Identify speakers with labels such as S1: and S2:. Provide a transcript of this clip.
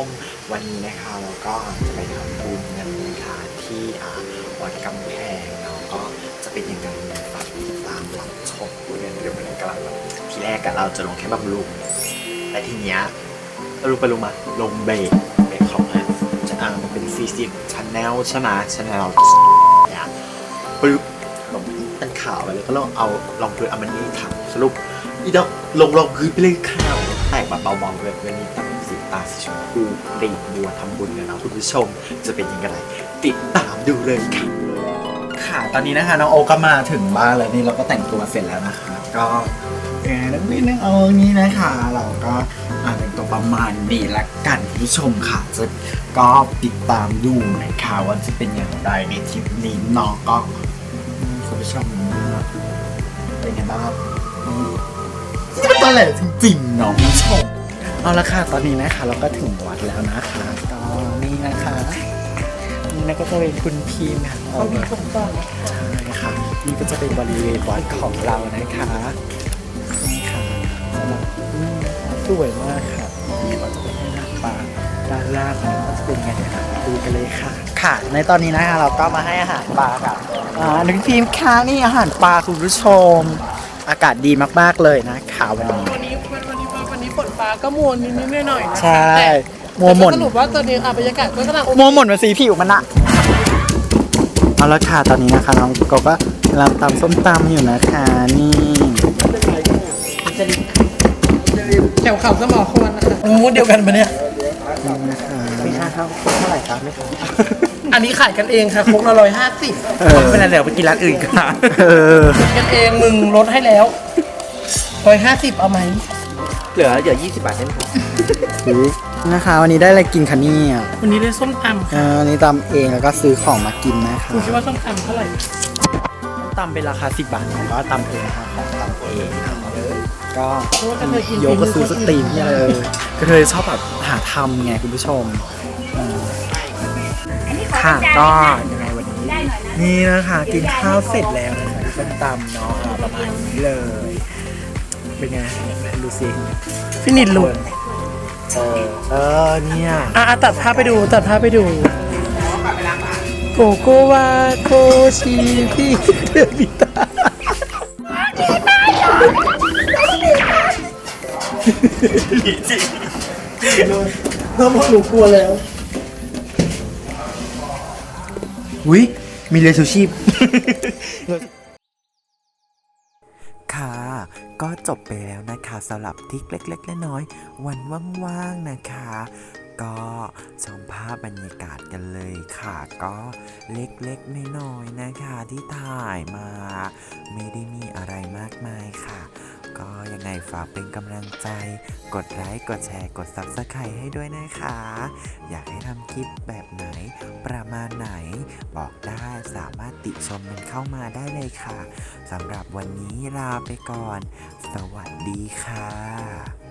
S1: มวันนี้นะคะเราก็จะไปทำบุญกันนะคะที่วัดกำแพงเนาะก็จะเป็นยังไงฝากติดตามรับชมกันเดี๋ยวมันกำลังแบบทีแรกกันเราจะลงแค่บำรุงแต่ทีเนี้ยรู้ไปรู้มาลงเบรกของมันเป็น40 Channel ใช่ไหม Channel เนี่ยปึ๊บลงเป็นข่าวไปเลยก็ลองพื้นมันนี่ถามสรุปอีดอกลงพื้นไปเลยข่าวแตกแบบเบาๆเลยวันนี้ตั้งสีตาสีชมพูรีบบัวทำบุญกันนะคุณผู้ชมจะเป็นยังไงติดตามดูเลยค่ะค่ะตอนนี้นะคะน้องโอก็มาถึงบ้านแล้วนี่เราก็แต่งตัวเสร็จแล้วนะคะก็นิดนึงเอานี้นะคะเราก็แต่งตัวประมาณนี้ละกันคุณผู้ชมค่ะจะก็ติดตามดูนะคะว่าจะเป็นอย่างไรในทริปนี้น้องก็คุณผู้ชมเป็นไงบ้างครับนี่ตอนแหลจริงๆน้องผู้ชมเอาละค่ะตอนนี้นะคะเราก็ถึงวัดแล้วนะคะก็นี่นะคะนี่นะก็จะเป็นคุณพีมค่ะเขามีคนต้อนใช่ค่ะนี่ก็จะเป็นบริเวณวัดของเรานะคะนี่ค่ะสำหรับสวยมากค่ะนี่เราจะไปให้อาหารปลาด้านล่างนี้ก็จะเป็นไงเดี๋ยวดูกันเลยค่ะค่ะในตอนนี้นะคะเราก็มาให้อาหารปลาค่ะคุณพีมค่ะนี่อาหารปลาคุณผู้ชมอากาศดีมากๆเลยนะคะวันนี้
S2: ฝนฟ้าก็มัวนิดๆหน่อยๆนะ
S1: ใช่มั
S2: มั
S1: วหม่น
S2: สรุปว่าตอนนี้บรรยากาศก็กำลัง
S1: มัวหม่นมาสีผิวมันอะเอาละค่ะตอนนี้นะคะน้องก็กำลังตำส้มตำอยู่นะคะนี่
S2: แถวเขาสมอควรนะคะมูดเดียวกันปะเนี่ย
S1: นะคะไม่ค่าเท่าไหร่ครับไม่ค่ะ
S2: อันนี้ขายกันเองค่ะครกละ150
S1: เป็นอะไรเดี๋ยวไปกินร้านอื่นค่ะ
S2: กันเองมึงลดให้แล้ว150เอาไหม
S1: เหลือ20 บาทได้ไหมครับนะคะวันนี้ได้อะไรกินคะเนี่ย
S2: วันนี้ได้ส้มตำค่ะ
S1: วันนี้ตำเองแล้วก็ซื้อของมากินนะคะ
S2: คุณคิดว่าส้มตำเท่าไหร่
S1: ตำเป็นราคา10 บาทผมก็ตำเองนะคะของตำเองก็
S2: เพราะว่ากระเทยกิน
S1: โยก็ซื้อสตรีมเนี่ยเลยกระเทยชอบแบบหาทำไงคุณผู้ชมค่ะก็ยังไงวันนี้นี่นะคะกินข้าวเสร็จแล้วนะคะส้มตำเนาะประมาณนี้เลยเป็นไงดูสิ
S2: ฟินิชลุก
S1: เนี่ย
S2: ตัดภาพไปดูโกโกวาโคชิพี่เดบิตาจริงน้องหนูกลัวแล้ว
S1: อุ้ยมีเรือชูชีพ ค่ะก็จบไปแล้วนะคะสำหรับทริคเล็กๆน้อยๆวันว่างๆนะคะก็ชมภาพบรรยากาศกันเลยค่ะก็เล็กๆน้อยๆนะคะที่ถ่ายมาไม่ได้มีอะไรมากมายค่ะก็ยังไงฝากเป็นกำลังใจกดไลค์กดแชร์กด Subscribe ให้ด้วยนะคะอยากให้ทำคลิปแบบไหนประมาณไหนบอกได้สามารถติชมมันเข้ามาได้เลยค่ะสำหรับวันนี้ลาไปก่อนสวัสดีค่ะ